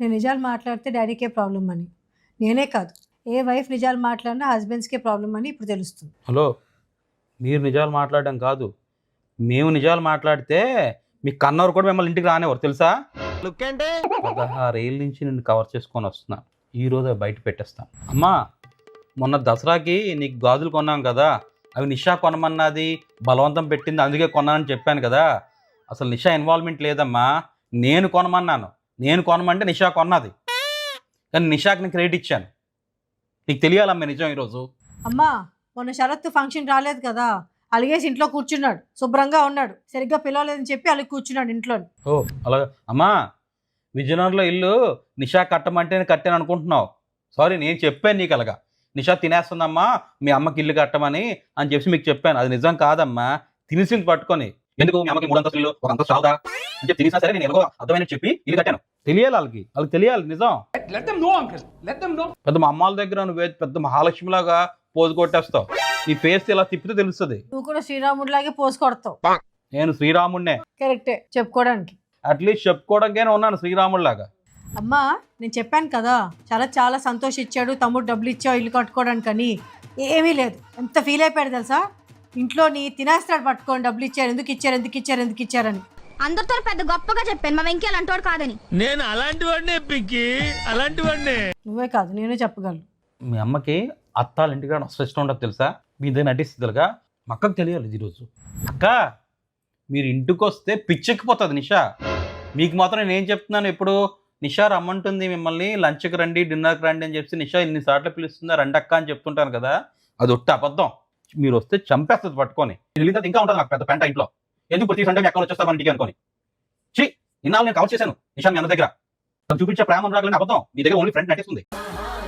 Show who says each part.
Speaker 1: నేను నిజాలు మాట్లాడితే డాడీకే ప్రాబ్లం అని. నేనే కాదు, ఏ వైఫ్ నిజాలు మాట్లాడినా హస్బెండ్స్కే ప్రాబ్లం అని ఇప్పుడు తెలుస్తుంది.
Speaker 2: హలో, మీరు నిజాలు మాట్లాడడం కాదు, మేము నిజాలు మాట్లాడితే మీ కన్నవరు కూడా మిమ్మల్ని ఇంటికి రానివ్వరు తెలుసా. 16 ఏళ్ళ నుంచి నేను కవర్ చేసుకొని వస్తున్నా, ఈరోజు బయట పెట్టేస్తాను. అమ్మా, మొన్న దసరాకి నీకు గాజులు కొన్నాం కదా, అవి నిషా కొనమన్నది, బలవంతం పెట్టింది, అందుకే కొన్నానని చెప్పాను కదా. అసలు నిషా ఇన్వాల్వ్మెంట్ లేదమ్మా, నేను కొనమన్నాను. నేను కొనమంటే నిషా కొన్నది, కానీ నిషాకి నేను క్రెడిట్ ఇచ్చాను. నీకు తెలియాలమ్మా నిజం ఈరోజు.
Speaker 1: అమ్మా, మొన్న శరత్ ఫంక్షన్ రాలేదు కదా, అలిగేసి ఇంట్లో కూర్చున్నాడు, శుభ్రంగా ఉన్నాడు, సరిగ్గా పిలవలేదని చెప్పి అలిగి కూర్చున్నాడు ఇంట్లో.
Speaker 2: ఓ అలాగా అమ్మా, విజయనగరంలో ఇల్లు నిషా కట్టమంటే నేను కట్టాను అనుకుంటున్నావు. సారీ, నేను చెప్పాను నీకు అలాగా, నిషా తినేస్తుందమ్మా మీ అమ్మకి ఇల్లు కట్టమని అని చెప్పి మీకు చెప్పాను. అది నిజం కాదమ్మా, తినేసింది పట్టుకొని. ఎందుకు మీ అమ్మకి 3 అంతస్తులు ఒక అంతస్తు చావదా అని చెప్పి తినేసినా సరే నేను ఎలాగో అర్థమైన చెప్పి ఇల్లు కట్టాను. తెలియాలి వాళ్ళకి తెలియాలి నిజం. పెద్ద మా అమ్మాల దగ్గర నువ్వే పెద్ద మహాలక్ష్మిలాగా పోజు కొట్టేస్తావు, నీ ఫేస్ ఇలా తిప్పితే తెలుస్తుంది.
Speaker 1: నువ్వు కూడా శ్రీరాముడిలాగే పోసి కొడతావు.
Speaker 2: నేను శ్రీరాముడినే,
Speaker 1: కరెక్టే చెప్పుకోవడానికి.
Speaker 2: అట్లీస్ట్ చెప్పుకోవడానికైనా ఉన్నాను శ్రీరాముడిలాగా.
Speaker 1: అమ్మా, నేను చెప్పాను కదా, చాలా సంతోషించాడు తమ్ముడు, డబ్బులు ఇచ్చావు ఇల్లు కట్టుకోవడానికని. ఏమీ లేదు, ఎంత ఫీల్ అయిపోయాడు తెలుసా. ఇంట్లోని తినేస్తాడు పట్టుకొని, డబ్బులు ఇచ్చారు, ఎందుకు ఇచ్చారని.
Speaker 3: అందరితో పెద్ద గొప్పగా చెప్పాను, మా వెంకీ అలాంటి కాదని.
Speaker 4: నేను అలాంటి వాడినే పిక్కి, అలాంటి వాడినే.
Speaker 1: నువ్వే కాదు, నేనే చెప్పగలను.
Speaker 2: మీ అమ్మకి అత్తాల ఇంటికాడ అసలు ఇష్టం ఉండదు తెలుసా, మీ దగ్గర నటిస్తుందిగా. మా అక్కకు తెలియాలి ఈరోజు. అక్క, మీరు ఇంటికి వస్తే పిచ్చెక్కిపోతుంది నిషా. మీకు మాత్రం నేను చెప్తున్నాను, ఇప్పుడు నిషా రమ్మంటుంది మిమ్మల్ని, లంచ్కి రండి, డిన్నర్కి రండి అని చెప్పి నిషా ఇన్నిసార్లు పిలుస్తుందా రండి అక్క అని చెప్తుంటాను కదా, అది ఒట్టి అబద్ధం. మీరు వస్తే చంపేస్తుంది పట్టుకొని. వెళ్ళిన ఇంకా ఉంటుంది నాకు పెద్ద పెంట ఇంట్లో. ఎందుకు ప్రతి సండే మీ అక్కడ వచ్చేస్తాను ఇంటికి అనుకోని. ఇన్నాళ్ళు నేను కవర్ చేశాను నిషా మీ అన్న దగ్గర. చూపించే ప్రేమ రాగలని అబద్ధం, మీ దగ్గర ఓన్లీ ఫ్రెండ్ నటిస్తుంది.